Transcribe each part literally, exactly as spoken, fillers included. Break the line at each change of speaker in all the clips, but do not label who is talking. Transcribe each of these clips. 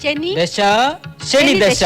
ശനി
ദശ ശനി ദശ.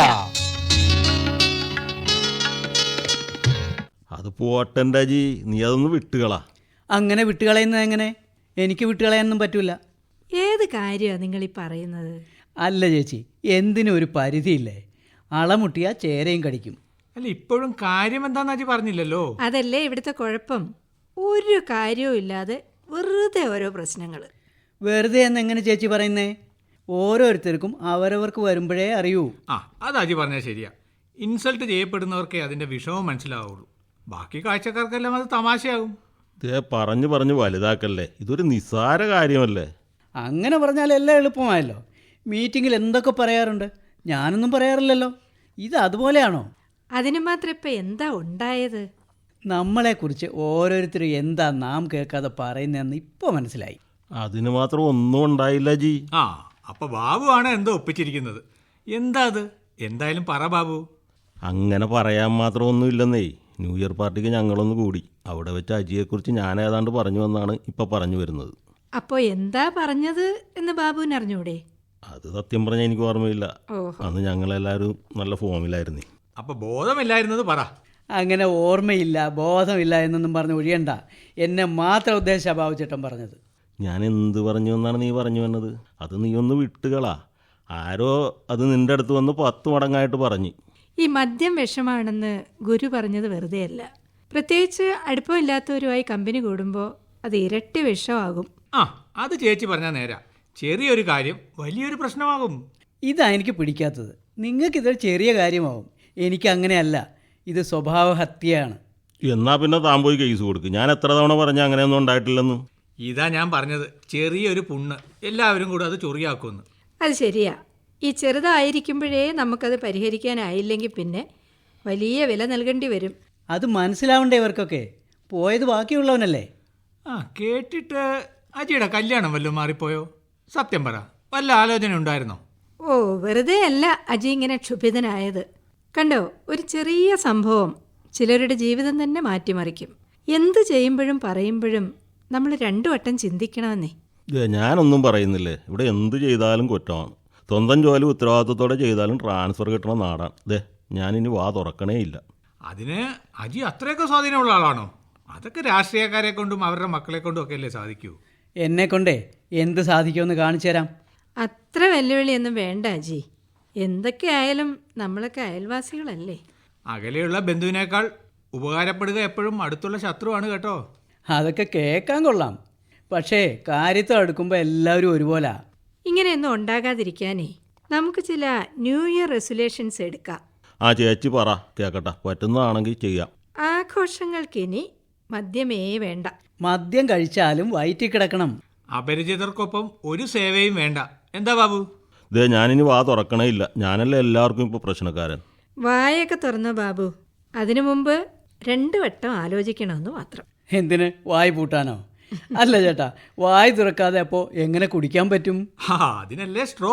അത് പോട്ടെൻ്റെ അജി, നീ അതൊന്ന് വിട്ടുകളാ.
അങ്ങനെ വിട്ടുകളയുന്നത് എങ്ങനെ? എനിക്ക് വിട്ടുകളയാനൊന്നും പറ്റൂല.
ഏത് കാര്യമാണ് നിങ്ങൾ ഈ പറയുന്നത്?
അല്ല ചേച്ചി, എന്തിനും ഒരു പരിധിയില്ലേ? അളമുട്ടിയ ചേരയും കടിക്കും.
അല്ല, ഇപ്പോഴും കാര്യം എന്താന്ന് അജി പറഞ്ഞില്ലല്ലോ.
അതല്ലേ ഇവിടുത്തെ കുഴപ്പം. ഒരു കാര്യവും ഇല്ലാതെ വെറുതെ ഓരോ പ്രശ്നങ്ങൾ.
വെറുതെ എന്നെങ്ങനെ ചേച്ചി പറയുന്നേ? ഓരോരുത്തർക്കും അവരവർക്ക് വരുമ്പോഴേ അറിയൂ.
ആ, അത് അജി പറഞ്ഞാൽ ശരിയാ. ഇൻസൾട്ട് ചെയ്യപ്പെടുന്നവർക്കേ അതിൻ്റെ വിഷമം മനസ്സിലാവുള്ളൂ. ബാക്കി കാഴ്ചക്കാർക്കെല്ലാം അത് തമാശയാകും.
ഇതേ പറഞ്ഞു പറഞ്ഞ് വലുതാക്കല്ലേ, ഇതൊരു നിസ്സാര കാര്യമല്ലേ.
അങ്ങനെ പറഞ്ഞാൽ എല്ലാം എളുപ്പമായല്ലോ. മീറ്റിങ്ങിൽ എന്തൊക്കെ പറയാറുണ്ട്, ഞാനൊന്നും പറയാറില്ലല്ലോ. ഇത് അതുപോലെയാണോ?
അതിന് മാത്രം ഇപ്പം എന്താ ഉണ്ടായത്?
നമ്മളെക്കുറിച്ച് ഓരോരുത്തരും എന്താ നാം കേൾക്കാതെ പറയുന്നതെന്ന് ഇപ്പോൾ മനസ്സിലായി.
അതിന് മാത്രം ഒന്നും ഉണ്ടായില്ല ജി.
ആ, അപ്പൊ ബാബു ആണ് എന്തോ ഒപ്പിച്ചിരിക്കുന്നത്. എന്താ അത്? എന്തായാലും പറ ബാബു.
അങ്ങനെ പറയാൻ മാത്രം ഒന്നുമില്ലെന്നേ. ന്യൂ ഇയർ പാർട്ടിക്ക് ഞങ്ങളൊന്ന് കൂടി. അവിടെ വെച്ച് അജിയെക്കുറിച്ച് ഞാൻ ഏതാണ്ട് പറഞ്ഞു വന്നാണ് ഇപ്പം പറഞ്ഞു വരുന്നത്.
അപ്പോൾ എന്താ പറഞ്ഞത് എന്ന് ബാബുവിന് അറിഞ്ഞൂടെ?
അത് സത്യം പറഞ്ഞാൽ എനിക്ക് ഓർമ്മയില്ല.
ഓഹോ.
അന്ന് ഞങ്ങളെല്ലാവരും നല്ല ഫോമിലായിരുന്നേ.
അപ്പൊ ബോധമില്ലായിരുന്നത് പറ.
അങ്ങനെ ഓർമ്മയില്ല, ബോധമില്ല എന്നൊന്നും പറഞ്ഞ് ഒഴിയണ്ട. എന്നെ മാത്രം ഉദ്ദേശിച്ച ബാബുചേട്ടൻ പറഞ്ഞത്.
ഞാൻ എന്ത് പറഞ്ഞു എന്നാണ് നീ പറഞ്ഞു വന്നത്? അത് നീ ഒന്ന് വിട്ടുകളാ. ആരോ അത് നിൻ്റെ അടുത്ത് വന്ന് പത്ത് മടങ്ങായിട്ട് പറഞ്ഞു.
ഈ മദ്യം വിഷമാണെന്ന് ഗുരു പറഞ്ഞത് വെറുതെയല്ല. പ്രത്യേകിച്ച് അടുപ്പമില്ലാത്തവരുമായി കമ്പനി കൂടുമ്പോൾ അത് ഇരട്ടി വിഷമാകും.
ആ, അത് ചേച്ചി പറഞ്ഞാൽ നേരാ. ചെറിയൊരു കാര്യം വലിയൊരു പ്രശ്നമാകും.
ഇതാ എനിക്ക് പിടിക്കാത്തത്. നിങ്ങൾക്കിതൊരു ചെറിയ കാര്യമാവും, എനിക്ക് അങ്ങനെയല്ല. ഇത് സ്വഭാവഹത്യയാണ്.
എന്നാ പിന്നെ താൻ പോയി കേസ് കൊടുക്കും. ഞാൻ എത്ര തവണ പറഞ്ഞാൽ അങ്ങനെയൊന്നും ഉണ്ടായിട്ടില്ലെന്ന്.
ഇതാ ഞാൻ പറഞ്ഞത്, ചെറിയൊരു പുണ്ണ് എല്ലാവരും കൂടെ അത് ചൊറിയാക്കുമെന്ന്.
അത് ശരിയാ. ഈ ചെറുതായിരിക്കുമ്പോഴേ നമുക്കത് പരിഹരിക്കാനായില്ലെങ്കിൽ പിന്നെ വലിയ വില നൽകേണ്ടി വരും.
അത് മനസ്സിലാവണ്ടേ ഇവർക്കൊക്കെ? പോയത് ബാക്കിയുള്ളവനല്ലേ.
ആ, കേട്ടിട്ട് അജിയുടെ കല്യാണം വല്ലതും മാറിപ്പോയോ? സത്യം പറ, വല്ല ആലോചന ഉണ്ടായിരുന്നോ?
ഓ, വെറുതെ അല്ല അജി ഇങ്ങനെ ക്ഷുഭിതനായത്. കണ്ടോ, ഒരു ചെറിയ സംഭവം ചിലരുടെ ജീവിതം തന്നെ മാറ്റിമറിക്കും. എന്ത് ചെയ്യുമ്പോഴും പറയുമ്പോഴും നമ്മൾ രണ്ടു വട്ടം ചിന്തിക്കണമെന്നേ.
ഇതേ ഞാനൊന്നും പറയുന്നില്ലേ. ഇവിടെ എന്ത് ചെയ്താലും കുറ്റമാണ്. സ്വന്തം ജോലി ഉത്തരവാദിത്വത്തോടെ ചെയ്താലും ട്രാൻസ്ഫർ കിട്ടണ നാടാണ്. ഇതേ ഞാനിനി വാ തുറക്കണേ ഇല്ല.
അതിന് അജി അത്രയൊക്കെ സ്വാധീനമുള്ള ആളാണോ? അതൊക്കെ രാഷ്ട്രീയക്കാരെ കൊണ്ടും അവരുടെ മക്കളെ കൊണ്ടും ഒക്കെ അല്ലേ സാധിക്കൂ.
എന്നെക്കൊണ്ടേ എന്ത് സാധിക്കുമെന്ന് കാണിച്ചു തരാം.
അത്ര വെല്ലുവിളിയൊന്നും വേണ്ട അജി. എന്തൊക്കെയായാലും നമ്മളൊക്കെ അയൽവാസികളല്ലേ.
അകലെയുള്ള ബന്ധുവിനേക്കാൾ ഉപകാരപ്പെടുക എപ്പോഴും അടുത്തുള്ള ശത്രുവാണ് കേട്ടോ.
അതൊക്കെ കേൾക്കാൻ കൊള്ളാം, പക്ഷേ കാര്യത്തിൽ അടുക്കുമ്പോൾ എല്ലാവരും ഒരുപോലെ.
ഇങ്ങനെയൊന്നും ഉണ്ടാകാതിരിക്കാനേ നമുക്ക് ചില ന്യൂ ഇയർ റെസൊല്യൂഷൻസ് എടുക്കാം.
ആ ചേച്ചി പറ, കേൾക്കട്ടെ. പറ്റുന്നതാണെങ്കിൽ ചെയ്യാം.
ആഘോഷങ്ങൾക്കിനി മദ്യമേ വേണ്ട.
മദ്യം കഴിച്ചാലും വയറ്റിൽ കിടക്കണം.
അപരിചിതർക്കൊപ്പം ഒരു സേവയും വേണ്ട. എന്താ ബാബു?
ഇതേ ഞാനിനി വാ തുറക്കണേ ഇല്ല. ഞാനല്ലേ എല്ലാവർക്കും ഇപ്പോൾ പ്രശ്നക്കാരൻ.
വായൊക്കെ തുറന്നോ ബാബു. അതിനു മുമ്പ് രണ്ടു വട്ടം ആലോചിക്കണമെന്ന് മാത്രം.
എന്തിന്? വായ് പൂട്ടാനോ? അല്ല ചേട്ടാ, വായ് തുറക്കാതെ അപ്പോൾ എങ്ങനെ കുടിക്കാൻ പറ്റും?
ഹാ, അതിനല്ലേ സ്ട്രോ.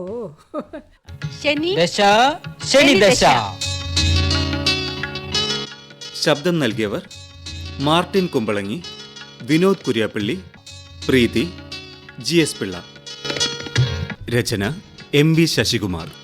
ശനി
ദശ ശനി ദശ.
ശബ്ദം നൽകിയവർ Martin Kumbalangi, Vinod Kuriyappally, Preethi, G S Pillai. രചന എം വി ശശികുമാർ.